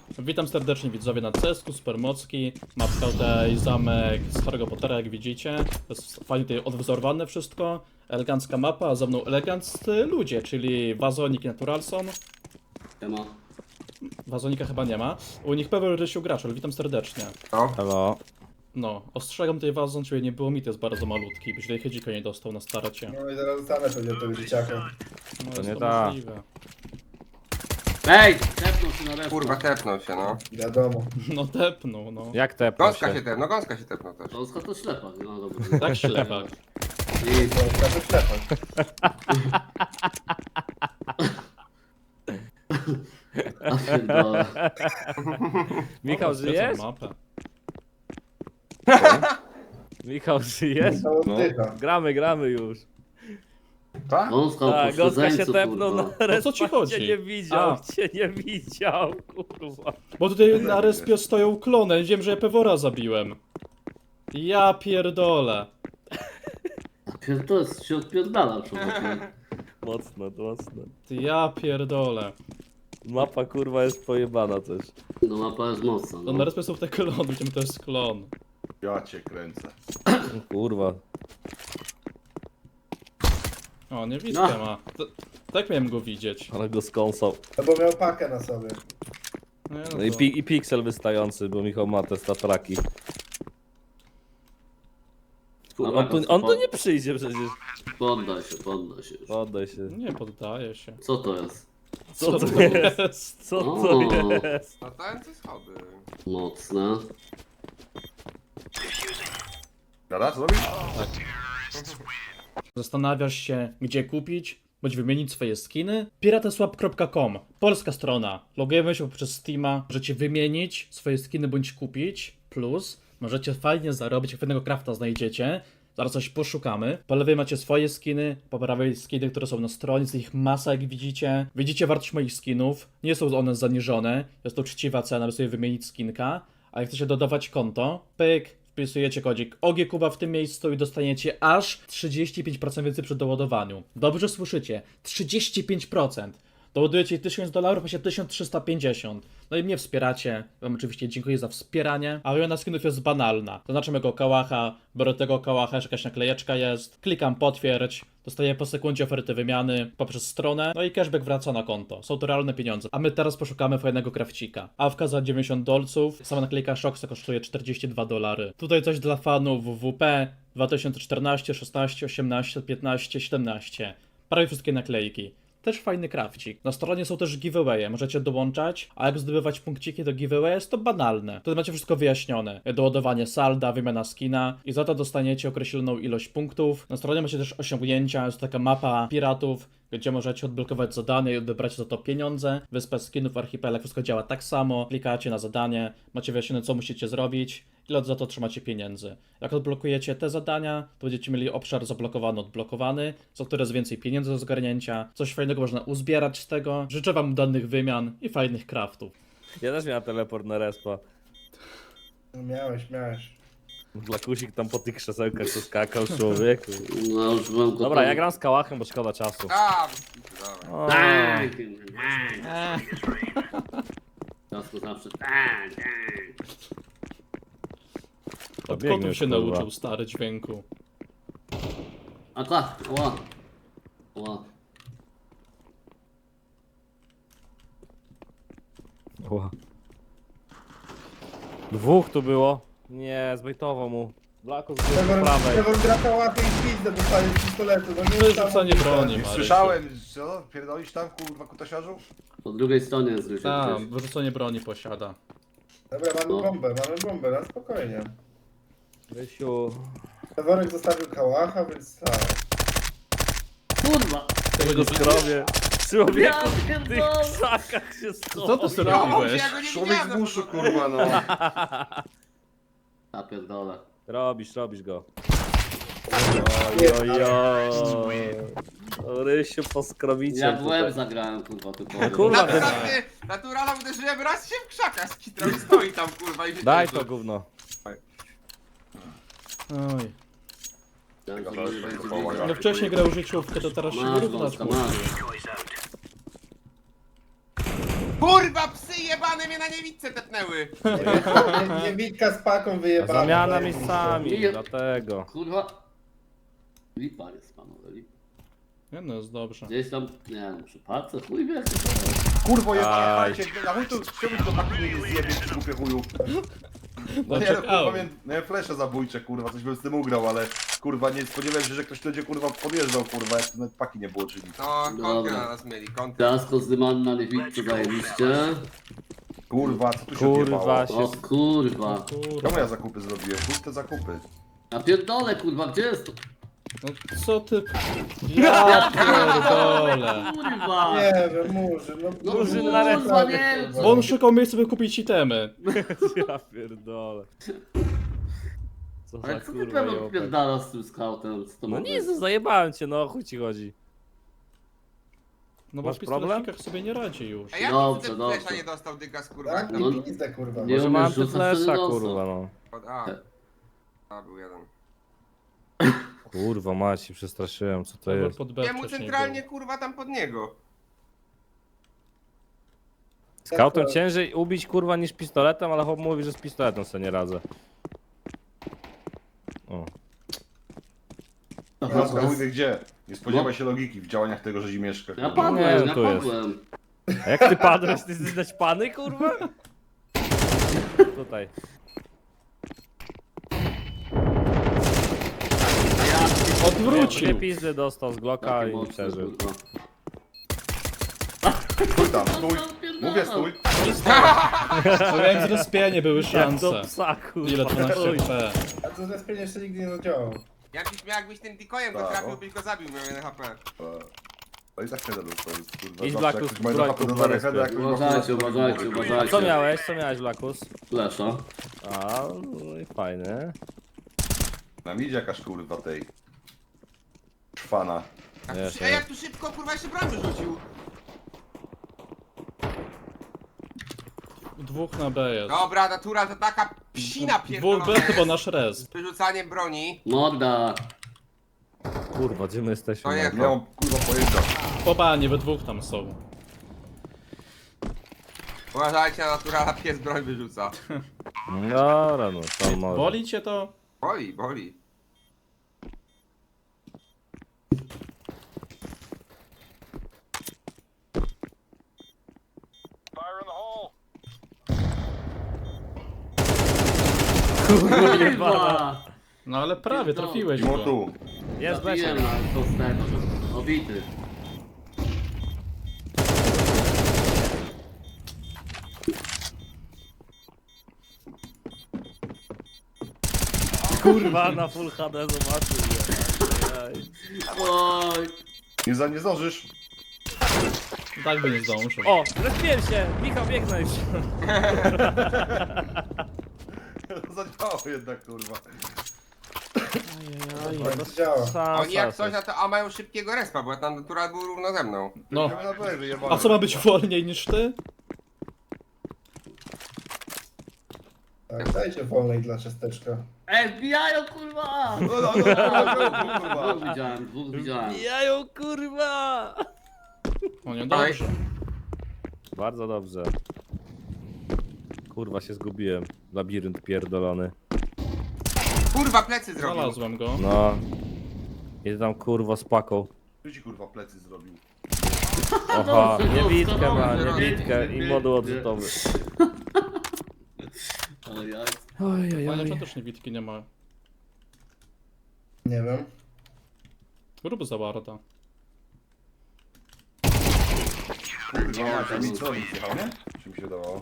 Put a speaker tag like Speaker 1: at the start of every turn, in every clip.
Speaker 1: Witam serdecznie widzowie na CS:GO, Supermocki. Mapka tutaj zamek z Harry'ego Pottera, jak widzicie. To jest fajnie tutaj odwzorowane wszystko. Elegancka mapa, a za mną eleganccy ludzie, czyli Wazonik i Naturalson.
Speaker 2: Siema.
Speaker 1: Wazonika chyba nie ma. U nich Paweł Rysiu Graczel, witam serdecznie.
Speaker 3: Halo.
Speaker 1: No, ostrzegam tutaj Wazon, ciebie nie było mi, to jest bardzo malutki, byś tutaj chydzika nie dostał na starcie.
Speaker 4: No i zaraz zostanę pewnie tego dzieciaka.
Speaker 1: No,
Speaker 3: To
Speaker 1: jest
Speaker 3: nie
Speaker 1: to
Speaker 3: tak.
Speaker 1: możliwe.
Speaker 2: Ej! Tepnął się na resztę.
Speaker 5: Kurwa, tepnął się, no.
Speaker 4: Wiadomo.
Speaker 1: No tepnął, no.
Speaker 3: Jak tepnął
Speaker 5: Gąska się
Speaker 3: się?
Speaker 5: tepnął, gąska się tepnął też.
Speaker 2: Polska to ślepa, no dobra.
Speaker 1: Tak ślepak.
Speaker 2: I
Speaker 4: To każdy ślepak.
Speaker 2: a pierdolę.
Speaker 3: Michał,
Speaker 1: O,
Speaker 3: żyjesz?
Speaker 1: zwiedzam mapę.
Speaker 3: Michał, żyjesz?
Speaker 4: To oddycha.
Speaker 3: Gramy już.
Speaker 5: Tak?
Speaker 2: Gąska
Speaker 3: Tak,
Speaker 2: po
Speaker 3: Gąska się
Speaker 2: śledzeńcu,
Speaker 3: tepnął
Speaker 2: kurwa.
Speaker 3: na respa.
Speaker 1: co ci chodzi?
Speaker 3: Cię nie widział,
Speaker 1: A.
Speaker 3: cię nie widział, kurwa.
Speaker 1: Bo tutaj na respie stoją klony, wiem, że ja Pewora zabiłem. Ja pierdolę.
Speaker 2: To jest się odpierdala, człowieku.
Speaker 3: Mocno.
Speaker 1: Ja pierdolę.
Speaker 3: Mapa kurwa jest pojebana też.
Speaker 2: No mapa jest mocna,
Speaker 1: No na
Speaker 2: no.
Speaker 1: respie są te klony, widzimy to jest klon.
Speaker 6: Ja cię kręcę.
Speaker 3: Kurwa.
Speaker 1: O, niewidkę
Speaker 2: No.
Speaker 1: ma. Tak miałem go widzieć.
Speaker 3: Ale go skąsał.
Speaker 4: No bo miał pakę na sobie.
Speaker 1: Nie,
Speaker 3: No i,
Speaker 1: to...
Speaker 3: i piksel wystający, bo Michał ma te statraki. Kurwa, on tu nie przyjdzie przecież.
Speaker 2: Poddaj się, poddaj się.
Speaker 3: Oddaj się.
Speaker 1: Nie poddaje się.
Speaker 2: Co to jest?
Speaker 3: Co to jest? Co to
Speaker 2: O.
Speaker 3: jest?
Speaker 5: Latające schody.
Speaker 2: Mocne.
Speaker 6: Dobra, co robisz?
Speaker 1: Zastanawiasz się, gdzie kupić, bądź wymienić swoje skiny? Pirateswap.com, polska strona. Logujemy się poprzez Steama, możecie wymienić swoje skiny bądź kupić. Plus, możecie fajnie zarobić, jak fajnego crafta znajdziecie. Zaraz coś poszukamy. Po lewej macie swoje skiny, po prawej skiny, które są na stronie, jest ich masa, jak widzicie. Widzicie wartość moich skinów, nie są one zaniżone, jest to uczciwa cena, by sobie wymienić skinka. A jak chcecie dodawać konto, pyk, wpisujecie kodzik OGKuba w tym miejscu i dostaniecie aż 35% więcej przy doładowaniu. Dobrze słyszycie, 35%. Doładujecie $1000, właśnie 1350. No i mnie wspieracie. Wam oczywiście dziękuję za wspieranie. A wymiana skinów jest banalna. Zaznaczam jego kałacha, biorę tego kałacha, jeszcze jakaś naklejeczka jest. Klikam potwierdź. Dostaję po sekundzie oferty wymiany poprzez stronę. No i cashback wraca na konto. Są to realne pieniądze. A my teraz poszukamy fajnego krawcika. Awka za $90. Sama naklejka Shoxa kosztuje $42. Tutaj coś dla fanów WP 2014, 16, 18, 15, 17. Prawie wszystkie naklejki. Też fajny krawcik. Na stronie są też giveawaye, możecie dołączać, a jak zdobywać punkciki do giveaway jest to banalne. Wtedy macie wszystko wyjaśnione. Doładowanie salda, wymiana skina i za to dostaniecie określoną ilość punktów. Na stronie macie też osiągnięcia, jest taka mapa piratów, gdzie możecie odblokować zadanie i odebrać za to pieniądze. Wyspa skinów, archipelag, wszystko działa tak samo. Klikacie na zadanie, macie wyjaśnione co musicie zrobić, ile za to trzymacie pieniędzy. Jak odblokujecie te zadania, to będziecie mieli obszar zablokowany, odblokowany, za które jest więcej pieniędzy do zgarnięcia. Coś fajnego można uzbierać z tego. Życzę wam udanych wymian i fajnych craftów.
Speaker 3: Ja też miałem teleport na respa.
Speaker 4: No miałeś.
Speaker 3: Glakusik tam po tych krzesełkach co skakał, człowieku.
Speaker 2: No już byłem gotowy.
Speaker 3: Dobra, ja gram z kałachem, bo szkoda czasu.
Speaker 5: A, dobra.
Speaker 3: O,
Speaker 2: Tak! Ciasko zawsze tak, tak.
Speaker 3: to
Speaker 1: Od
Speaker 3: biegnie
Speaker 1: kotów się
Speaker 3: kurwa.
Speaker 1: nauczył stary dźwięku.
Speaker 2: A tak, ła. Ła.
Speaker 3: Ła. Dwóch tu było. Nie, zbejtował mu. Blako z prawej.
Speaker 4: Trevor gra kałachy i pizdę dostaje z pistoletu. No nie
Speaker 1: Wyrzucanie broni,
Speaker 6: Nie
Speaker 1: Marysiu.
Speaker 6: słyszałem, co? Pierdolisz tam, kurwa, kutasiarzu?
Speaker 2: Po drugiej stronie jest Rysiu.
Speaker 1: Tak, wyrzucenie broni posiada.
Speaker 4: Dobra,
Speaker 2: No.
Speaker 4: mamy bombę, na spokojnie.
Speaker 3: Rysiu.
Speaker 4: Trevorek zostawił kałacha, więc tak.
Speaker 2: Kurwa!
Speaker 1: Tego
Speaker 3: Tego
Speaker 1: nie
Speaker 3: skrowie. Człowieku,
Speaker 2: Ja
Speaker 3: w tych
Speaker 2: pierdolę.
Speaker 3: krzakach się schował.
Speaker 1: Co ty sobie
Speaker 5: Ja
Speaker 1: robiłeś?
Speaker 5: go nie
Speaker 6: Człowiek z
Speaker 5: widziałem,
Speaker 6: buszu,
Speaker 5: no.
Speaker 6: kurwa, no.
Speaker 2: Ja pierdolę.
Speaker 3: Robisz go. Ojojoj. O, Rysiu po skrowicie.
Speaker 2: Ja w łeb zagrałem, kurwa, ty powiem.
Speaker 3: Kurwa,
Speaker 5: Naturala uderzyłem, raz się w krzakach skitrał i stoi tam, kurwa, i się
Speaker 3: Daj
Speaker 5: cieszy.
Speaker 3: to gówno.
Speaker 1: Oj.
Speaker 2: Ja
Speaker 1: No wcześniej grał życiówkę, to teraz się
Speaker 2: Masz,
Speaker 1: wyrównać
Speaker 2: Gąska,
Speaker 1: musi.
Speaker 2: masz.
Speaker 5: Kurwa, psy jebane mnie na niewidce tepnęły.
Speaker 4: Nie Witka z paką wyjebana.
Speaker 3: Zamiana
Speaker 4: zajebiście.
Speaker 3: miejscami,
Speaker 2: Nie.
Speaker 3: dlatego.
Speaker 2: Kurwa. Lipa jest panowie, lipa.
Speaker 1: Nie no, jest dobrze.
Speaker 2: Gdzieś tam, nie wiem, przy parce, chuj wie.
Speaker 6: Kurwo
Speaker 3: Aj.
Speaker 6: jebanie, na chuj tu, czemu to tak nie zjebie, ty głupie chuju? No nie, no kurwa,
Speaker 1: czekałem.
Speaker 6: miałem flesze zabójcze, kurwa, coś bym z tym ugrał, ale kurwa, nie spodziewałem się, że ktoś będzie kurwa podjeżdżał, kurwa, jak nawet paki nie było, czyli.
Speaker 5: No, kąty
Speaker 2: Dobra.
Speaker 5: na nas mieli, kąty.
Speaker 2: Ciasko zdymany na niewidce zajebiście.
Speaker 6: Kurwa, co tu się
Speaker 3: Kurwa
Speaker 6: odjebało?
Speaker 3: się.
Speaker 2: O kurwa.
Speaker 6: Czemu ja zakupy zrobiłem? Puste zakupy.
Speaker 2: Ja pierdolę kurwa, gdzie jest to?
Speaker 1: No co ty... Ja pierdolę.
Speaker 2: Kurwa.
Speaker 4: Nie wiem, Murzyn, no
Speaker 3: Murzyn
Speaker 2: No,
Speaker 3: na ręce.
Speaker 2: kurwa, nie wiem.
Speaker 1: Bo on szukał miejsca, by kupić itemy.
Speaker 3: Ja pierdolę. Co
Speaker 2: Ale
Speaker 3: za
Speaker 2: co ty
Speaker 3: kurwa
Speaker 2: pewno
Speaker 3: jopek.
Speaker 2: pierdala z tym scoutem? Co to
Speaker 3: No
Speaker 2: ma
Speaker 3: nic,
Speaker 2: być?
Speaker 3: zajebałem cię, no o chuj ci chodzi.
Speaker 1: No bo
Speaker 3: Masz
Speaker 1: w
Speaker 3: problem?
Speaker 1: pistoletnikach sobie nie radzi już.
Speaker 5: A jak
Speaker 2: Dobrze,
Speaker 5: ten
Speaker 2: dobrze.
Speaker 5: flesza nie dostał dygas, kurwa?
Speaker 4: Tak,
Speaker 2: No.
Speaker 4: tam pizdę, kurwa.
Speaker 2: Nie
Speaker 3: Może
Speaker 2: umiesz
Speaker 3: mam
Speaker 2: rzucać,
Speaker 3: flesza,
Speaker 2: wtedy dostał.
Speaker 3: kurwa no.
Speaker 5: A, był jeden.
Speaker 3: Kurwa mać, się przestraszyłem, co to
Speaker 1: Albo
Speaker 3: jest.
Speaker 1: pod B
Speaker 5: Jemu
Speaker 1: wcześniej
Speaker 5: centralnie,
Speaker 1: był.
Speaker 5: kurwa, tam pod niego.
Speaker 3: Scoutem ciężej ubić kurwa niż pistoletem, ale chłop mówi, że z pistoletem sobie nie radzę. O.
Speaker 2: Aha,
Speaker 6: Teraz
Speaker 2: to jest-
Speaker 6: chuj wie gdzie. Nie spodziewaj się logiki w działaniach tego Rzezimieszka.
Speaker 2: Ja
Speaker 6: kurwa.
Speaker 3: Nie,
Speaker 2: padłem, ja
Speaker 3: tu jest.
Speaker 2: padłem.
Speaker 3: A jak ty padłeś, ty jesteś naćpany kurwa? Tutaj. Dwie
Speaker 1: Odwrócił!
Speaker 3: pizdy dostał z Glocka
Speaker 2: Taki
Speaker 3: i
Speaker 2: mocny,
Speaker 3: przeżył.
Speaker 2: kurwa.
Speaker 6: Stój tam, stój. Mówię stój.
Speaker 1: No jak zrespienie były
Speaker 3: Jak
Speaker 1: szanse.
Speaker 3: do psa kurwa.
Speaker 1: Ile 12
Speaker 3: Oj.
Speaker 1: HP?
Speaker 4: A to zrespienie jeszcze nigdy nie zadziałał.
Speaker 5: Jakbyś tym dikojem go
Speaker 6: Tak,
Speaker 5: trafił,
Speaker 6: no.
Speaker 5: byś go zabił, miał 1 HP.
Speaker 6: No i tak nie dadzą to jest kurwa.
Speaker 3: Idź,
Speaker 6: zawsze
Speaker 3: Blackus,
Speaker 6: jak ktoś ma
Speaker 3: broń,
Speaker 6: HP do
Speaker 3: kurwa,
Speaker 6: Dareheda, jak ktoś ma
Speaker 2: Uważajcie,
Speaker 6: flash, to
Speaker 2: uważajcie,
Speaker 6: kurwa.
Speaker 2: uważajcie.
Speaker 3: Co miałeś? Co miałeś, Blackus?
Speaker 2: Flesza.
Speaker 3: A, no i fajne.
Speaker 6: Nam idzie jakaś kurwa tej. Trwana.
Speaker 3: Jest,
Speaker 5: Ej, jak tu szybko, kurwa, jeszcze bram wyrzucił.
Speaker 1: Dwóch na B jest.
Speaker 5: Dobra, natura to taka psina
Speaker 1: Dwóch
Speaker 5: pierdolona
Speaker 1: B,
Speaker 5: jest.
Speaker 1: bo nasz res.
Speaker 5: Z wyrzucaniem broni.
Speaker 2: Morda.
Speaker 3: Kurwa, gdzie my jesteśmy?
Speaker 5: To jest.
Speaker 6: Nie mam kurwa pojęcia.
Speaker 1: Po banie, we dwóch tam są.
Speaker 5: Uważajcie na naturala, pies broń wyrzuca.
Speaker 3: Dobra, no to może.
Speaker 1: Boli cię to?
Speaker 5: Boli, boli.
Speaker 2: Kurwa.
Speaker 1: No ale prawie trafiłeś
Speaker 6: Mimo
Speaker 1: go.
Speaker 6: tu.
Speaker 3: Jest
Speaker 2: Zabiłem
Speaker 3: Lesiek.
Speaker 2: na kosteczkę. Obity.
Speaker 3: Kurwa, na full HD zobaczył. Ej.
Speaker 2: Oj.
Speaker 6: Nie zdążysz.
Speaker 1: Tak by nie zdążył.
Speaker 3: O, zrespiłem się! Michał, biegnę już.
Speaker 6: Zadziałało jednak kurwa.
Speaker 4: To działa.
Speaker 5: Oni jak coś, na to a mają szybkiego respa, bo tam natural był równo ze mną.
Speaker 1: No.
Speaker 6: Na B wyjebane.
Speaker 1: A co ma być wolniej niż ty?
Speaker 4: Tak, dajcie wolnej dla ciasteczka.
Speaker 2: Ej, wbijają kurwa!
Speaker 6: No, kurwa.
Speaker 2: Dwóch widziałem.
Speaker 3: Jajo, kurwa!
Speaker 1: O nie, dobrze.
Speaker 3: Bardzo dobrze. Kurwa, się zgubiłem. Labirynt pierdolony.
Speaker 5: Kurwa, plecy zrobił.
Speaker 1: Znalazłem go.
Speaker 3: No. Idę tam kurwa z paką.
Speaker 6: Kto ci kurwa plecy zrobił?
Speaker 3: Oha,
Speaker 2: Dobrze,
Speaker 3: niewidkę
Speaker 2: dobrze,
Speaker 3: ma,
Speaker 2: dobrze.
Speaker 3: niewidkę i moduł odrzutowy.
Speaker 2: Oj, oj.
Speaker 1: Fajnie, że też niewidki nie ma.
Speaker 4: Nie wiem.
Speaker 1: Rób za warta.
Speaker 6: Kurwa, a mi co nic jechał, nie? Czy mi się dawało?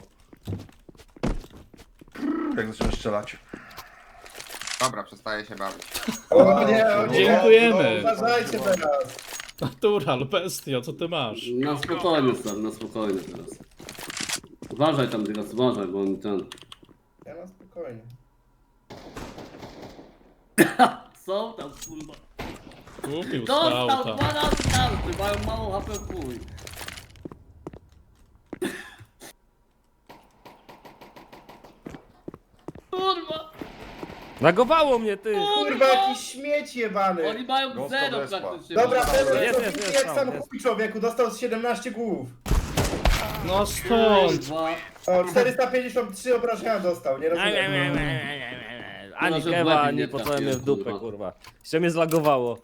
Speaker 6: Jak zacząłem strzelać.
Speaker 5: Dobra, przestaję się bawić.
Speaker 4: O nie, o nie.
Speaker 1: Dziękujemy.
Speaker 4: No, uważajcie teraz.
Speaker 1: Natural, bestio, co ty masz?
Speaker 2: Na spokojnie, stary, na spokojnie teraz. Uważaj tam, teraz uważaj, bo on ten...
Speaker 4: Ja na spokojnie.
Speaker 2: Są tam, kurwa.
Speaker 1: Kupił
Speaker 2: Dostał
Speaker 1: skauta.
Speaker 2: 2 razy karty, mają mało HP w chuj. Kurwa!
Speaker 3: Nagowało mnie, ty!
Speaker 4: Kurwa, jakiś śmieć jebany.
Speaker 2: Oni mają
Speaker 6: Ghost
Speaker 2: 0
Speaker 6: respa.
Speaker 2: praktycznie.
Speaker 4: Dobra,
Speaker 2: Mają
Speaker 4: Pedro
Speaker 2: zero.
Speaker 3: Jest,
Speaker 4: jest
Speaker 3: jest,
Speaker 4: jak
Speaker 3: tam,
Speaker 4: sam
Speaker 3: jest.
Speaker 4: chuj człowieku, dostał z 17 głów.
Speaker 1: No stąd!
Speaker 2: Kurwa.
Speaker 4: O, 453 obrażenia dostał, nie rozumiem.
Speaker 3: Ani
Speaker 2: Może w
Speaker 3: kewa,
Speaker 2: łeb
Speaker 3: ani
Speaker 2: nie
Speaker 3: po
Speaker 2: trafiłem,
Speaker 3: mnie w dupę,
Speaker 2: kurwa.
Speaker 3: kurwa. Jeszcze mnie zlagowało.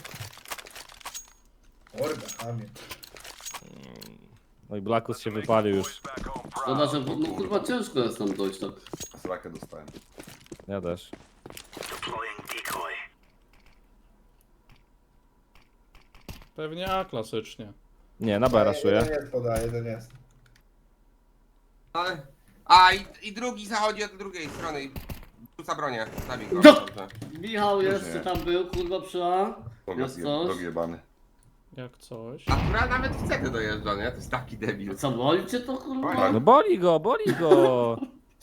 Speaker 4: Morda, chamie.
Speaker 3: No i Blackus się wypalił już.
Speaker 2: Szkoda, że no kurwa ciężko jest tam dojść tak.
Speaker 6: Srakę dostałem.
Speaker 3: Ja też.
Speaker 1: Pewnie A klasycznie.
Speaker 3: Nie, na B raszuję.
Speaker 4: Jeden jest poda, jeden jest.
Speaker 5: Ale... A i drugi zachodzi od drugiej strony i rzuca bronię. Zabij go.
Speaker 2: No.
Speaker 5: Dobrze.
Speaker 2: Michał jeszcze
Speaker 6: nie.
Speaker 2: tam był, kurwa przy A. Jest coś?
Speaker 6: Drogi jebany.
Speaker 1: Jak coś.
Speaker 5: A która nawet w CT dojeżdża, nie? To jest taki debil.
Speaker 2: Co, boli cię to kurwa?
Speaker 3: No boli go, boli go.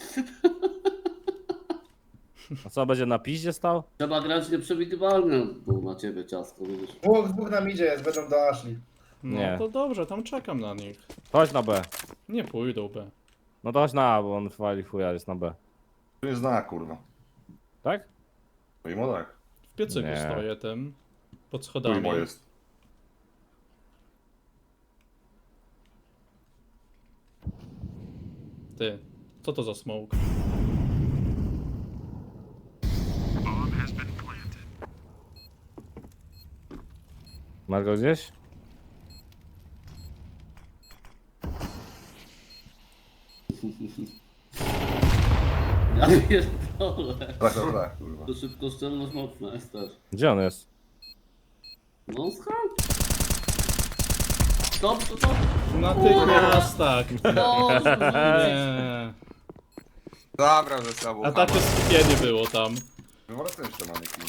Speaker 3: A co, będzie na piździe stał?
Speaker 2: Trzeba grać nieprzewidywalnie, bo na ciebie ciasko, wiesz.
Speaker 4: Dwóch na midzie jest, będą do Ashley.
Speaker 1: No
Speaker 3: Nie.
Speaker 1: to dobrze, tam czekam na nich.
Speaker 3: Chodź na B.
Speaker 1: Nie pójdą B.
Speaker 3: No to chodź na A, bo on wali chuja, jest na B.
Speaker 6: To nie zna, kurwa.
Speaker 3: Tak?
Speaker 6: Mimo tak.
Speaker 1: W piecyku
Speaker 3: Nie.
Speaker 1: stoję tym. Pod
Speaker 6: Tu
Speaker 1: schodami.
Speaker 6: mimo jest.
Speaker 1: Ty. Co to za smoke?
Speaker 3: Masz go gdzieś?
Speaker 2: Ja pierdolę.
Speaker 6: Tak, kurwa.
Speaker 2: To szybkoszczelność mocna jest też.
Speaker 3: Gdzie on jest?
Speaker 2: No skąd? Stop, stop.
Speaker 1: Natychmiast tak.
Speaker 2: No,
Speaker 1: Nie.
Speaker 5: Dobra, ze sobą.
Speaker 1: A takie skupienie było tam.
Speaker 6: Wywracam jeszcze mamy kim.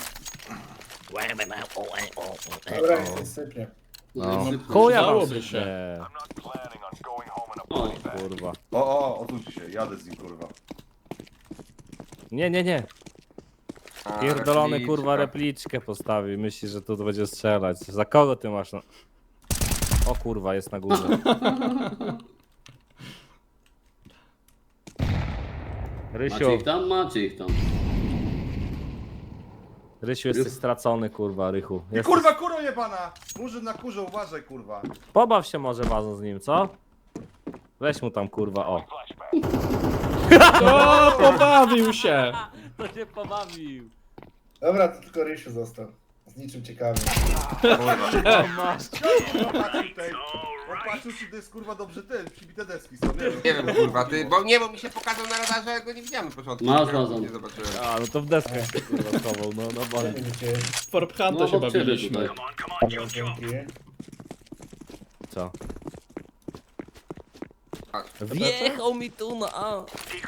Speaker 4: Dobra, niech się sypnie.
Speaker 3: No.
Speaker 2: szybko.
Speaker 3: Chuja wam
Speaker 1: Dałoby się.
Speaker 3: się.
Speaker 2: O,
Speaker 3: Kurwa.
Speaker 6: Odsuńcie się, jadę z nim, kurwa.
Speaker 3: Nie, nie, nie.
Speaker 5: A,
Speaker 3: Pierdolony
Speaker 5: repliczka.
Speaker 3: kurwa repliczkę postawi. Myśli, że tu będzie strzelać. Za kogo ty masz? No? O kurwa, jest na górze.
Speaker 2: macie
Speaker 3: Rysiu,
Speaker 2: ich tam? Macie ich tam.
Speaker 3: Rysiu jesteś stracony kurwa, Rychu.
Speaker 6: I
Speaker 3: Jesteś...
Speaker 6: kurwa, kurwa jebana! Murzyn na kurze, uważaj, kurwa.
Speaker 3: Pobaw się może wazą z nim, co? Weź mu tam kurwa, o.
Speaker 1: O, pobawił się!
Speaker 3: To się pobawił.
Speaker 4: Dobra, to tylko Rysiu został. Z niczym ciekawym.
Speaker 3: Masz.
Speaker 6: Kurwa, patrzył tutaj. On patrzył, czy to jest kurwa dobrze ten, przybite deski są, nie wiem.
Speaker 5: Nie wiem, kurwa, ty, bo mi się pokazał na radarze, ja go nie widziałem na początku.
Speaker 2: Masz
Speaker 5: Dopiero
Speaker 2: razem.
Speaker 5: Nie zobaczyłem.
Speaker 3: A, no to w deskę się kurwa schował, no boli.
Speaker 4: Nie wiecie,
Speaker 1: Forphunta
Speaker 2: No
Speaker 1: się
Speaker 2: obok ciebie
Speaker 1: bawiliśmy.
Speaker 2: tutaj.
Speaker 4: dzięki.
Speaker 3: Co? Wjechał mi tu na A.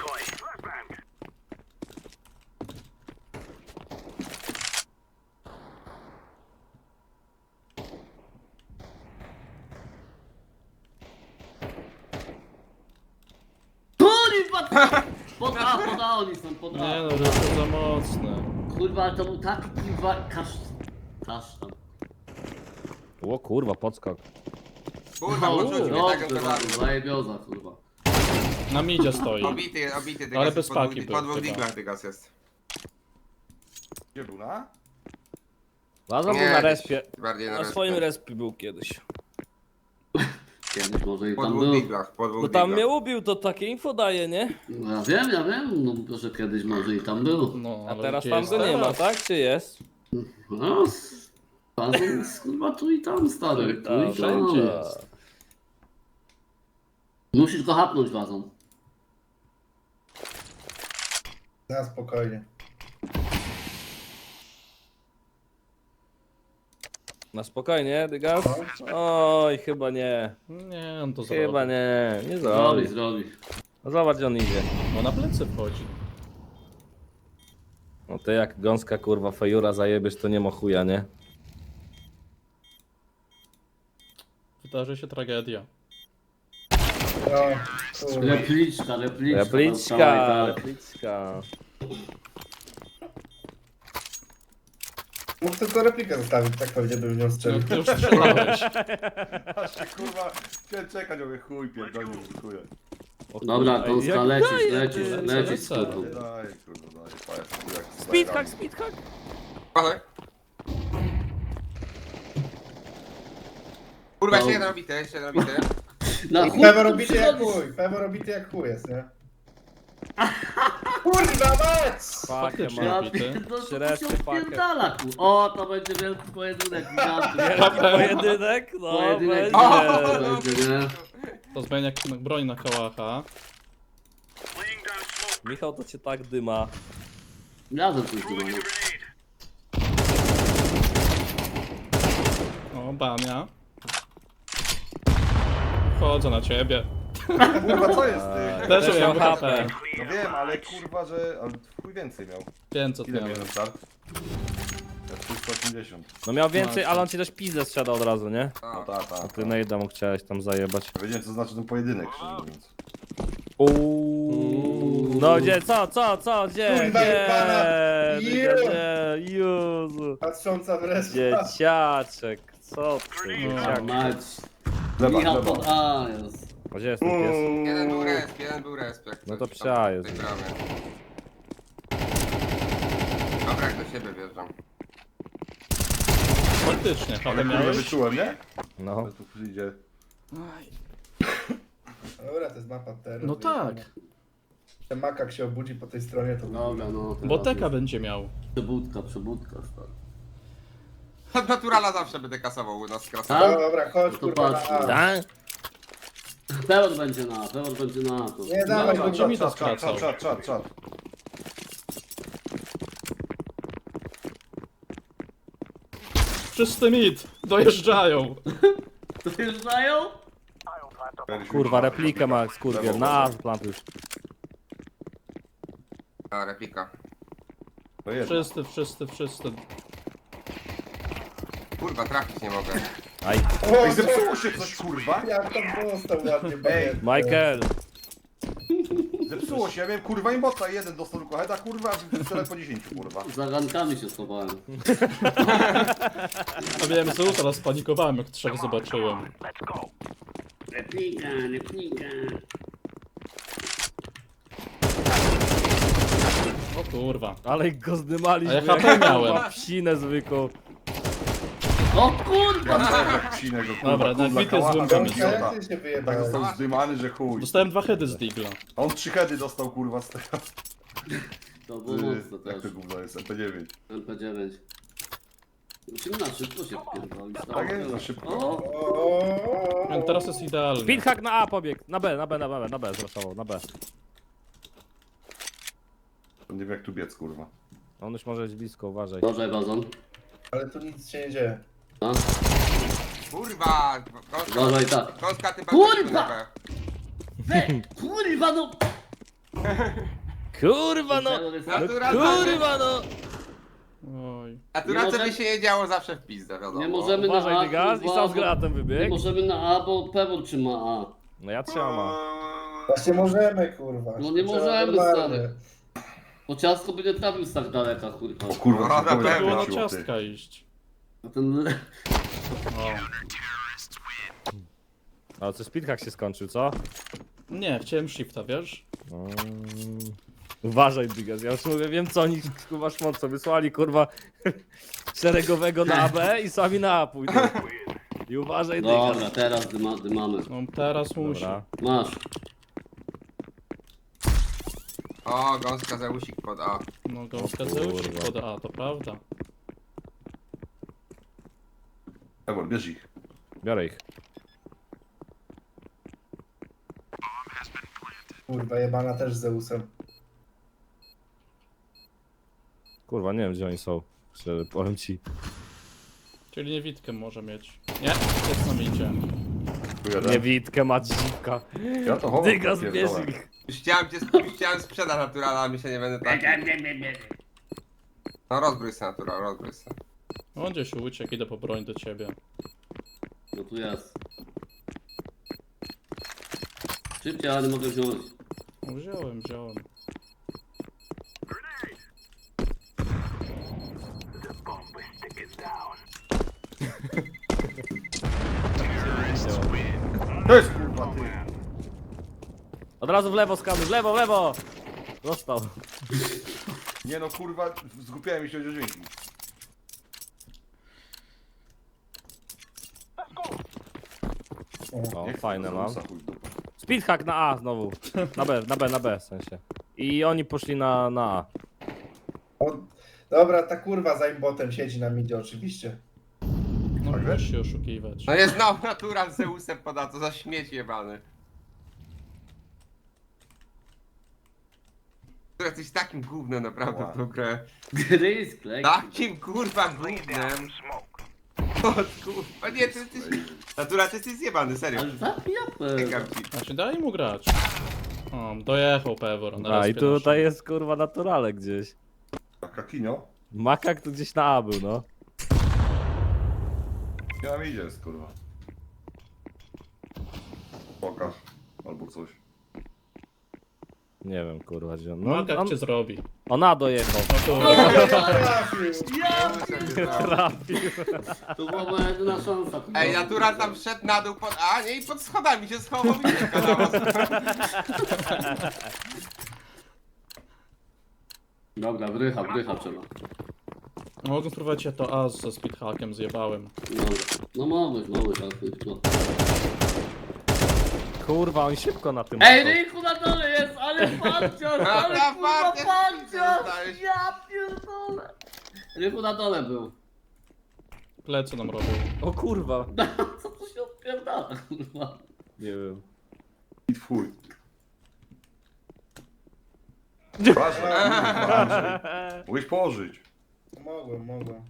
Speaker 2: Kurwa! Poda, oni są, poda.
Speaker 1: Nie no, to jest za mocne.
Speaker 2: Kurwa, ale to był taki kurwa kasztan.
Speaker 3: O kurwa, podskok.
Speaker 5: Kurwa, poczuć mnie taką
Speaker 2: Dobrze,
Speaker 5: pedału.
Speaker 2: zajebioza, kurwa.
Speaker 1: Na midzie stoi.
Speaker 5: Obity,
Speaker 1: Ale
Speaker 5: Dygas
Speaker 1: bez
Speaker 5: jest
Speaker 1: paki był
Speaker 5: po dwóch
Speaker 1: chyba.
Speaker 5: diglach Dygas jest.
Speaker 6: Gdzie był, na?
Speaker 3: Wazon był
Speaker 5: Nie,
Speaker 3: na respie.
Speaker 5: Bardziej na
Speaker 3: Na swoim respie był kiedyś.
Speaker 2: Kiedyś może i
Speaker 5: Po
Speaker 2: tam
Speaker 5: dwóch
Speaker 2: był.
Speaker 5: diglach, po dwóch
Speaker 3: No tam mnie
Speaker 5: diglach.
Speaker 3: ubił, to takie info daje, nie?
Speaker 2: No ja wiem, no że kiedyś może i tam był.
Speaker 1: No,
Speaker 3: A
Speaker 1: ale
Speaker 3: teraz
Speaker 1: gdzie
Speaker 3: tam
Speaker 1: jest
Speaker 3: go nie ma,
Speaker 1: teraz?
Speaker 3: tak? Czy jest?
Speaker 2: No, bazon jest kurwa tu i tam, stary. Tu i tam.
Speaker 1: Wszędzie.
Speaker 2: Musisz go hapnąć bazon.
Speaker 4: Na spokojnie.
Speaker 3: Na spokojnie, Dygas? Oj, chyba nie.
Speaker 1: Nie, on to zrobi.
Speaker 3: Chyba nie. Nie
Speaker 2: Zrobi,
Speaker 3: zrobi.
Speaker 2: zrobi.
Speaker 3: No zobacz, gdzie on idzie.
Speaker 1: No na plecy wchodzi.
Speaker 3: No ty jak gąska kurwa fejura zajebiesz, to nie ma chuja, nie?
Speaker 1: Wydarzy się tragedia.
Speaker 4: No, kurwa.
Speaker 2: Repliczka.
Speaker 3: Repliczka, repliczka.
Speaker 4: Mógł tylko replikę zostawić, tak pewnie bym w nią
Speaker 1: No,
Speaker 4: strzelił.
Speaker 1: ty już strzelałeś.
Speaker 6: Aż się kurwa, chciałem czekać, mówię chuj, pierdolę, dziękuję.
Speaker 3: O
Speaker 2: Dobra,
Speaker 3: kurwa,
Speaker 2: Gąska,
Speaker 3: jak
Speaker 2: lecisz,
Speaker 3: daje,
Speaker 2: lecisz,
Speaker 3: ty.
Speaker 2: lecisz,
Speaker 1: lecę.
Speaker 2: kurwa.
Speaker 6: Daj, kurwa, daj, pajac, jak
Speaker 3: Speedhack, speedhack.
Speaker 5: Uważaj. Kurwa,
Speaker 2: No.
Speaker 5: jeszcze jeden obity.
Speaker 2: Na chuj
Speaker 4: Pewo
Speaker 2: tu
Speaker 4: robity jak
Speaker 2: przychodzisz?
Speaker 4: chuj, pewo robity jak chuj jest, nie? Kurwa mać!
Speaker 3: Pakę
Speaker 1: Faktycznie.
Speaker 3: ma.
Speaker 2: Ja
Speaker 1: Robity.
Speaker 2: pierdolę, to
Speaker 3: Średni
Speaker 2: się
Speaker 3: pakiet.
Speaker 2: odpierdala, ku. O, to będzie wielki pojedynek gigantów.
Speaker 3: Wielki pojedynek? No,
Speaker 2: Pojedynek
Speaker 3: będzie.
Speaker 2: będzie, nie?
Speaker 1: To zmienia broń na kałacha.
Speaker 3: Michał, to cię tak dyma.
Speaker 2: Razem coś tu mamy.
Speaker 1: O, bania. Wchodzę na ciebie.
Speaker 6: Kurwa, co jest ty?
Speaker 1: Też
Speaker 3: Też
Speaker 1: miałem
Speaker 3: miał
Speaker 1: HP.
Speaker 6: No wiem, ale kurwa, że... Ale chuj więcej miał.
Speaker 1: 500
Speaker 6: Ile
Speaker 1: miałem.
Speaker 6: miałem start? Ja 380.
Speaker 3: No miał więcej, ale on ci też pizdę strzela od razu, nie?
Speaker 6: No tak.
Speaker 3: Ty Nejda mu chciałeś tam zajebać.
Speaker 6: Ja wiedziałem, co znaczy ten pojedynek, szczerze mówiąc.
Speaker 3: No gdzie, co, gdzie,
Speaker 4: Kurwa, jebana.
Speaker 3: gdzie, Jezu.
Speaker 4: Patrząca w resztę.
Speaker 3: Dzieciaczek, co ty,
Speaker 1: No.
Speaker 3: dzieciak.
Speaker 2: Mać.
Speaker 6: Gleba,
Speaker 2: Michał
Speaker 6: gleba.
Speaker 2: pod A jest.
Speaker 3: Gdzie jest ten pies?
Speaker 5: Jeden był resp. Jak
Speaker 3: No to
Speaker 5: coś
Speaker 3: psia
Speaker 5: tam
Speaker 3: jest.
Speaker 5: w tej bramie. Dobra, jak do siebie wjeżdżam.
Speaker 1: Faktycznie,
Speaker 6: Ale
Speaker 1: HP
Speaker 6: kurwa
Speaker 1: miałeś?
Speaker 6: wyczułem, nie?
Speaker 3: No.
Speaker 6: Ale tu przyjdzie.
Speaker 4: Dobra, to jest mapa terroru.
Speaker 1: No tak.
Speaker 4: Ten makak się obudzi po tej stronie, to...
Speaker 2: Dobra, no. teraz
Speaker 1: Boteka
Speaker 2: jest
Speaker 1: będzie miał.
Speaker 2: Przebudka, stary.
Speaker 5: Od naturala zawsze będę kasował u nas krasa.
Speaker 2: Tak?
Speaker 4: Dobra, chodź
Speaker 2: No to
Speaker 4: kurwa
Speaker 2: patrz.
Speaker 4: na A.
Speaker 3: Tak?
Speaker 2: Pewor będzie na, pewor będzie na to.
Speaker 4: Nie, dawaj,
Speaker 1: No,
Speaker 4: będzie
Speaker 1: mi to
Speaker 6: Czat,
Speaker 1: skracał.
Speaker 6: czat.
Speaker 1: Czysty mit! Dojeżdżają!
Speaker 2: Dojeżdżają?
Speaker 3: Kurwa, replikę ma skurwiel, na plant już.
Speaker 5: A, replika.
Speaker 6: To jest.
Speaker 1: Wszyscy.
Speaker 5: Kurwa, trafić nie mogę.
Speaker 3: Aj,
Speaker 4: O,
Speaker 6: Ej, zepsuło się coś, kurwa!
Speaker 4: jak tam dostał ładnie.
Speaker 6: Ej,
Speaker 3: Michael.
Speaker 6: Zepsuło się, ja miałem kurwa imbota, jeden dostał tylko heada, kurwa, a wczoraj po 10, kurwa.
Speaker 2: Za rankami się schowałem.
Speaker 1: A miałem Zeus, teraz spanikowałem jak trzech zobaczyłem.
Speaker 2: Replika.
Speaker 1: O kurwa.
Speaker 3: Ale go zdymaliśmy.
Speaker 1: A ja HP miałem.
Speaker 3: Kurwa, psinę zwykłą.
Speaker 2: O kurwa!
Speaker 6: Jak psinę go, kurwa,
Speaker 1: Dobra,
Speaker 6: kurwa,
Speaker 1: na bity
Speaker 6: kałacha,
Speaker 1: złym
Speaker 6: tam
Speaker 1: pomysł.
Speaker 6: idiota.
Speaker 4: Jak ty się
Speaker 6: Tak
Speaker 4: wyjebałeś?
Speaker 6: został zdymany, że chuj.
Speaker 1: Dostałem 2 heady z Digla.
Speaker 6: A on 3 heady dostał, kurwa, z tego.
Speaker 2: To było mocno
Speaker 6: Jak
Speaker 2: też.
Speaker 6: to gówno jest, MP9.
Speaker 2: MP9. Musimy na szybko się wpierdolić.
Speaker 6: Tak jest, na szybko.
Speaker 2: O!
Speaker 4: O,
Speaker 1: Teraz jest idealny.
Speaker 3: Speedhack na A pobieg. Na B zraszował, na B.
Speaker 6: Nie wiem jak tu biec, kurwa.
Speaker 3: On już może być blisko, uważaj.
Speaker 2: Dobrze, Bazon.
Speaker 4: ale tu nic się nie dzieje.
Speaker 2: No.
Speaker 5: Kurwa!
Speaker 2: Uważaj, tak.
Speaker 5: Gąska, ty
Speaker 2: Kurwa! Kurwa no!
Speaker 3: Kurwa no! Kurwa no!
Speaker 1: Oj.
Speaker 5: Naturalce
Speaker 2: Nie
Speaker 5: by
Speaker 2: może-
Speaker 5: się nie działo zawsze w pizdę, wiadomo.
Speaker 2: Nie możemy na
Speaker 3: Uważaj,
Speaker 2: A,
Speaker 3: dygas, i
Speaker 2: kurwa,
Speaker 3: sam z granatem
Speaker 2: Nie
Speaker 3: wybiegł.
Speaker 2: możemy na A, bo Pewor trzyma A.
Speaker 3: No ja trzymam A.
Speaker 4: Właśnie możemy, kurwa.
Speaker 2: No nie
Speaker 4: Trzeba
Speaker 2: możemy,
Speaker 4: normalnie.
Speaker 2: stary. Bo ciastko by nie trafił z tak daleka, kurwa.
Speaker 6: O kurwa,
Speaker 5: No,
Speaker 6: co
Speaker 5: na
Speaker 6: powiem,
Speaker 5: pewno.
Speaker 1: Było na
Speaker 6: wróciło, ty.
Speaker 1: ciastka iść.
Speaker 2: A ten...
Speaker 1: O.
Speaker 3: Ale co, speedhack się skończył, co?
Speaker 1: Nie, chciałem shifta, wiesz?
Speaker 3: Uważaj, Digas, ja już mówię, wiem co oni kurwa szmocą wysłali, kurwa szeregowego na AB i sami na A pójdą. I uważaj,
Speaker 2: Dobra,
Speaker 3: Digas.
Speaker 2: teraz dymamy.
Speaker 1: No teraz musi.
Speaker 3: Dobra.
Speaker 2: Masz.
Speaker 5: O, gąska Zeusik pod A.
Speaker 1: No go
Speaker 3: O
Speaker 1: Zeusik
Speaker 3: kurwa.
Speaker 1: pod A, to prawda.
Speaker 6: Pewor, bierz ich.
Speaker 3: Biorę ich.
Speaker 4: Kurwa, jebana też z Zeusem.
Speaker 3: Kurwa, nie wiem gdzie oni są. Szczerze, powiem ci.
Speaker 1: Czyli niewidkę może mieć. Nie, jest nam idzie.
Speaker 6: Tu jeden.
Speaker 3: Niewidkę ma dziwka.
Speaker 6: Ja to chowam.
Speaker 3: Dygas,
Speaker 6: to
Speaker 3: bierz
Speaker 6: pierdolę.
Speaker 3: ich.
Speaker 5: Już chciałem sprzedać naturala, a mi się nie będę tak. No rozbrój se natural, rozbrój se.
Speaker 1: On gdzieś uciekł, idę po broń do ciebie.
Speaker 2: No tu jest. Szybciej, ale nie mogę wziąć.
Speaker 1: No, wziąłem.
Speaker 6: To jest kurwa, ty.
Speaker 3: Od razu w lewo skamy, w lewo! Został.
Speaker 6: Nie no kurwa, zgupiałem się o dźwięki.
Speaker 3: O,
Speaker 6: Nie chcę
Speaker 3: fajne
Speaker 6: za
Speaker 3: mam.
Speaker 6: usa, chuj w dupę.
Speaker 3: Speedhack na A znowu. Na B w sensie. I oni poszli na A.
Speaker 4: O, dobra, ta kurwa za imbotem siedzi na midzie oczywiście.
Speaker 1: No
Speaker 6: Tak
Speaker 1: możesz
Speaker 6: wiesz?
Speaker 1: się oszukiwać.
Speaker 5: No jest no, natural z Zeusem poda, to za śmieć jebany. To jesteś takim gównem naprawdę w tą grę.
Speaker 2: Gry z klej.
Speaker 5: Takim kurwa gównem. O kurwa, nie, ty jesteś... Natura, ty jesteś zjebany, serio.
Speaker 2: Ale zabija
Speaker 5: Czekam
Speaker 2: pewno.
Speaker 5: ci.
Speaker 1: Właśnie daj mu grać. O, dojechał Pewor. na
Speaker 3: A i
Speaker 1: respie
Speaker 3: tutaj
Speaker 1: naszym.
Speaker 3: jest kurwa naturale gdzieś.
Speaker 6: Kakinio?
Speaker 3: Makak tu gdzieś na A był, no.
Speaker 6: Nie nam idzie jest, kurwa. Pokaż. Albo coś.
Speaker 3: Nie wiem kurwa gdzie on.
Speaker 1: No,
Speaker 3: No,
Speaker 1: jak cię zrobi.
Speaker 3: on A dojechał.
Speaker 1: No to...
Speaker 3: Trafił.
Speaker 2: To była moja jedyna szansa. kurwa.
Speaker 5: Ej, natura tam wszedł na dół pod... A, nie, i pod schodami się schował i czeka na was.
Speaker 2: Dobra, wrycha trzeba.
Speaker 1: Mogę spróbować ja to A ze speedhackiem zjebałem.
Speaker 2: Dobra. No mogłeś, ale chuj, no.
Speaker 3: Kurwa, oni szybko na tym.
Speaker 2: Ej,
Speaker 3: są.
Speaker 2: Rychu na dole jest, ale pancior,
Speaker 5: A,
Speaker 2: ale
Speaker 5: ta
Speaker 2: kurwa
Speaker 5: partia,
Speaker 2: pancior!
Speaker 5: dostałeś.
Speaker 2: Ja pierdolę. Rychu na dole był.
Speaker 1: Plecy nam robią.
Speaker 3: O kurwa.
Speaker 2: Co tu się odpierdala, kurwa?
Speaker 3: Nie wiem.
Speaker 6: I twój. Uważaj, kurwa, Andrzej. Mogłeś położyć.
Speaker 4: Mogłem.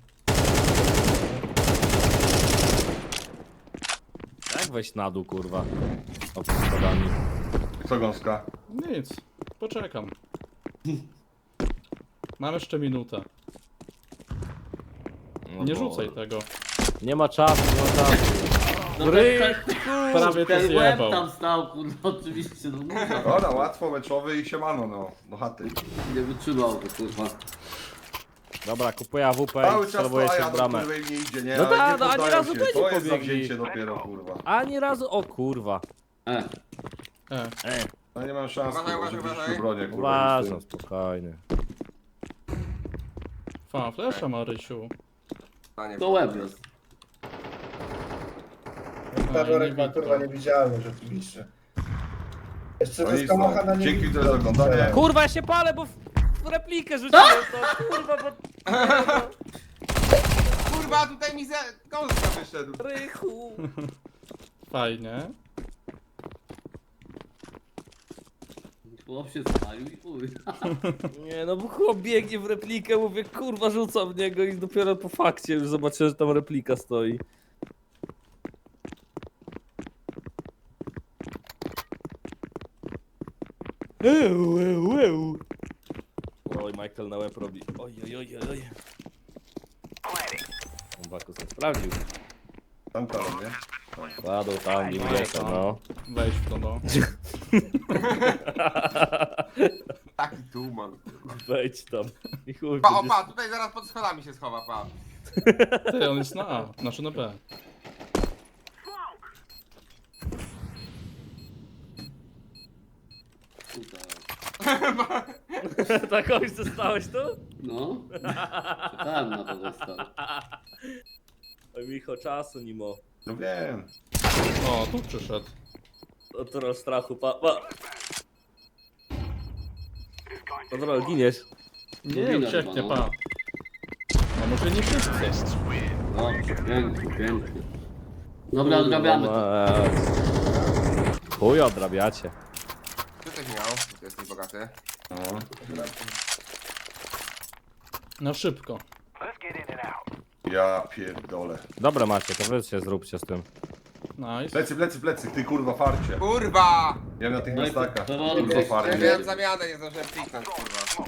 Speaker 3: Jak wejść na dół kurwa? O schodami.
Speaker 6: Co gąska?
Speaker 1: Nic. Poczekam. Mam jeszcze minutę.
Speaker 3: No
Speaker 1: Nie
Speaker 3: bo-
Speaker 1: rzucaj tego.
Speaker 3: Nie ma czasu, nie ma czasu.
Speaker 2: No
Speaker 3: Rychu!
Speaker 1: Prawie to
Speaker 2: ten łeb
Speaker 1: zjebał.
Speaker 2: tam stał, kurwa, oczywiście, no kurwa.
Speaker 6: Dobra, łatwo, meczowy i siemano, no. Do chaty.
Speaker 2: Nie wytrzymał to, kurwa.
Speaker 3: Dobra, kupuję AWP
Speaker 6: Cały
Speaker 3: i
Speaker 6: czas
Speaker 3: celuję
Speaker 6: to, a
Speaker 3: się
Speaker 6: ja
Speaker 3: w
Speaker 6: do
Speaker 3: bramę.
Speaker 6: której nie idzie, nie?
Speaker 3: No
Speaker 6: Ale
Speaker 3: da,
Speaker 6: nie
Speaker 3: no, ani
Speaker 6: poddają
Speaker 3: razu
Speaker 6: się.
Speaker 3: to nie
Speaker 6: To jest
Speaker 3: pobiegli.
Speaker 6: zawzięcie dopiero, kurwa.
Speaker 3: Ani razu, o kurwa.
Speaker 1: E.
Speaker 6: No nie mam szans,
Speaker 5: Uważaj,
Speaker 6: kurwa, żeby
Speaker 5: uważaj,
Speaker 6: iść w bronię, kurwa.
Speaker 3: Uważam, spokojnie.
Speaker 1: Fa, flesza Marysiu.
Speaker 2: To łeb jest.
Speaker 4: Ta worek ma
Speaker 1: nie
Speaker 4: kurwa
Speaker 1: widzę.
Speaker 4: niewidzialny rzeczywiście. Jeszcze
Speaker 6: No
Speaker 4: ze
Speaker 6: nic,
Speaker 4: skamocha na
Speaker 6: no.
Speaker 4: nie
Speaker 6: Dzięki
Speaker 4: widzę.
Speaker 6: za oglądanie.
Speaker 3: Kurwa, ja się palę, bo w replikę rzuciłem to, kurwa, bo...
Speaker 5: Kurwa, tutaj mi ze... Gąska wyszedł.
Speaker 3: Rychu.
Speaker 1: Fajnie.
Speaker 2: Chłop się spalił i chuj.
Speaker 3: Nie no, bo chłop biegnie w replikę, mówię, kurwa, rzucam w niego i dopiero po fakcie już zobaczyłem, że tam replika stoi. Oj, Michael na łeb robi. Oj. Bakus nie sprawdził.
Speaker 6: Tam, nie?
Speaker 3: Kładą tam, nim wiecie, no.
Speaker 1: Wejdź w to, no.
Speaker 5: Taki tuman.
Speaker 3: Wejdź tam. I chuj,
Speaker 5: Pa, o
Speaker 3: będziesz-
Speaker 5: pa, tutaj zaraz pod schodami się schowa, pa.
Speaker 1: Ty, on jest na A, znaczy na B.
Speaker 2: Tutaj.
Speaker 3: Tak, oj, zostałeś tu?
Speaker 2: No. Czekałem na to został.
Speaker 3: Oj, Micho, czasu nimo.
Speaker 6: No wiem.
Speaker 1: O, tu przyszedł.
Speaker 3: Natural strachu, pa. Natural, giniesz.
Speaker 1: Nie,
Speaker 2: widać
Speaker 1: ucieknie,
Speaker 2: chyba, no.
Speaker 1: pa. A może nie wszyscy?
Speaker 2: Dobrze, pięknie. Dobra, odrabiamy to.
Speaker 3: Chuj, odrabiacie.
Speaker 5: Ty coś miał, bo ty jesteś bogaty.
Speaker 6: No.
Speaker 1: Na szybko.
Speaker 6: Ja pierdolę.
Speaker 3: Dobra macie, to wy się zróbcie z tym.
Speaker 1: Nice.
Speaker 6: Plecy, ty kurwa farcie.
Speaker 5: Kurwa!
Speaker 6: Ja na tych
Speaker 2: No i
Speaker 6: miastakach.
Speaker 2: to-
Speaker 6: Kurwa
Speaker 5: Ja
Speaker 2: Nie.
Speaker 6: farcie.
Speaker 5: miałem zamianę, nie zdążyłem kliknąć, kurwa.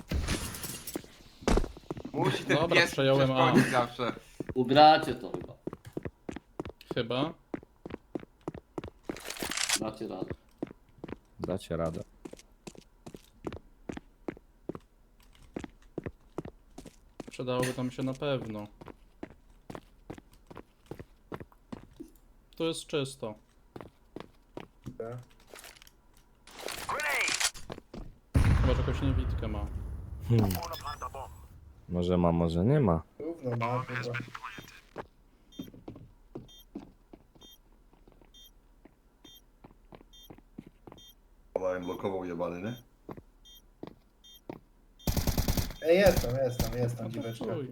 Speaker 5: Musi ten
Speaker 1: Dobra,
Speaker 5: pies
Speaker 1: przejąłem A.
Speaker 5: przeszkodzić zawsze.
Speaker 2: Ugracie to chyba.
Speaker 1: Chyba.
Speaker 2: Dacie radę.
Speaker 3: Dacie radę.
Speaker 1: Przydałoby tam się na pewno. Tu jest czysto. Chyba, że jakąś niewidkę ma.
Speaker 3: Może ma, może nie ma.
Speaker 4: Gówno ma kurwa.
Speaker 6: blokował jebany, nie?
Speaker 4: Ej, jest tam dziweczka.
Speaker 1: Chuj.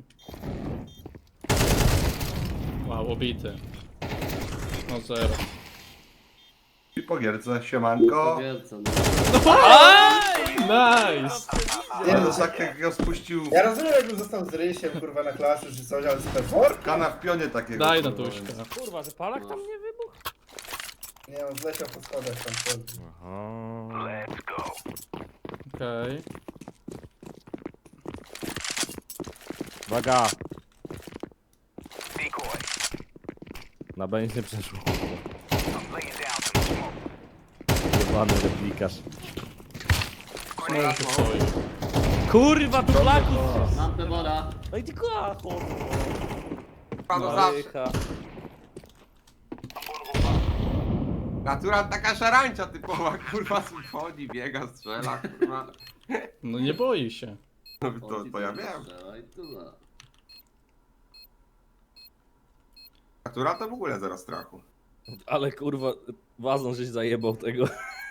Speaker 1: Wow, obity. No zero.
Speaker 6: I po gierce, siemanko.
Speaker 2: Wielce, no.
Speaker 1: Nice!
Speaker 4: Nie,
Speaker 6: Ale
Speaker 4: no,
Speaker 6: tak jak go spuścił
Speaker 4: ja rozumiem, jakbym został z Rysiem, kurwa, na klasie czy coś, ale z perform?
Speaker 6: kana w pionie takiego.
Speaker 1: Daj na
Speaker 6: kurwa,
Speaker 1: tuśkę.
Speaker 6: więc-
Speaker 3: Kurwa, że palak tam nie wybuchł?
Speaker 4: Nie, on zleciał po schodach tam.
Speaker 3: Aha.
Speaker 1: Okej.
Speaker 3: Uwaga! Na B nic nie przeszło. Jebany replikarz.
Speaker 1: Może się stoi.
Speaker 3: Kurwa, tu flaków!
Speaker 2: Lampę woda.
Speaker 3: No i ty kłacho!
Speaker 5: Panu zawsze.
Speaker 3: Marycha.
Speaker 5: Natura taka szarańcza typowa, kurwa, wchodzi, biega, strzela, kurwa.
Speaker 1: No nie boi się.
Speaker 5: No to ja wiem.
Speaker 2: Strzelaj, tyle.
Speaker 5: Natura to w ogóle zero strachu.
Speaker 3: Ale kurwa, wazon żeś zajebał tego.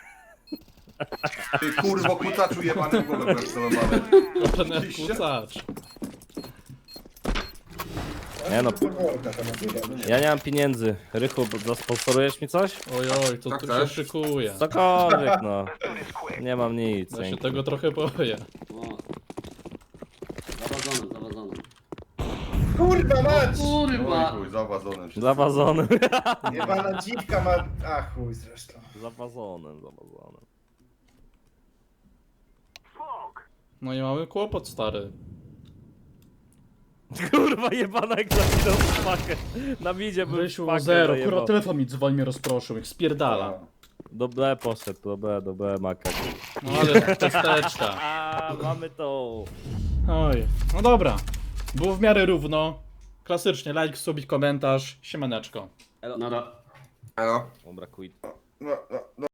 Speaker 6: Ty kurwo kucaczu jebany w głowę celowany.
Speaker 1: Ten
Speaker 6: Oczywiście.
Speaker 1: kucacz.
Speaker 3: Nie no.
Speaker 4: Performka tam odbiega.
Speaker 3: Ja nie mam pieniędzy. Rychu, zasponsorujesz mi coś?
Speaker 1: Ojoj, to
Speaker 5: Tak
Speaker 1: tu się
Speaker 5: też?
Speaker 1: szykuje.
Speaker 3: Cokolwiek no. Nie mam nic.
Speaker 1: Ja się
Speaker 3: dzięki.
Speaker 1: tego trochę boję.
Speaker 2: O. Zawadzony, zawadzony.
Speaker 4: Kurwa mać!
Speaker 6: Oj
Speaker 2: Kurwa!
Speaker 6: chuj, zawazonem się.
Speaker 3: Za wazonem.
Speaker 4: Jebana dziwka ma... A chuj zresztą.
Speaker 3: Za wazonem, za wazonem.
Speaker 1: No i mamy kłopot, stary.
Speaker 3: Kurwa jebana jak zaginął smakę. Na midzie był
Speaker 1: Rysiu,
Speaker 3: smakę
Speaker 1: zero.
Speaker 3: zajebał.
Speaker 1: Kurwa, telefon mi dzwoni, mnie rozproszył. Jak spierdala.
Speaker 3: Do B poszedł, do B maka.
Speaker 1: No ale testeczka.
Speaker 3: A, mamy to.
Speaker 1: Oj. No dobra. Było w miarę równo. Klasycznie, like, subić, komentarz. Siemaneczko.
Speaker 2: Nara.
Speaker 5: Elo.
Speaker 3: Dobra, quit.
Speaker 6: No, no, no.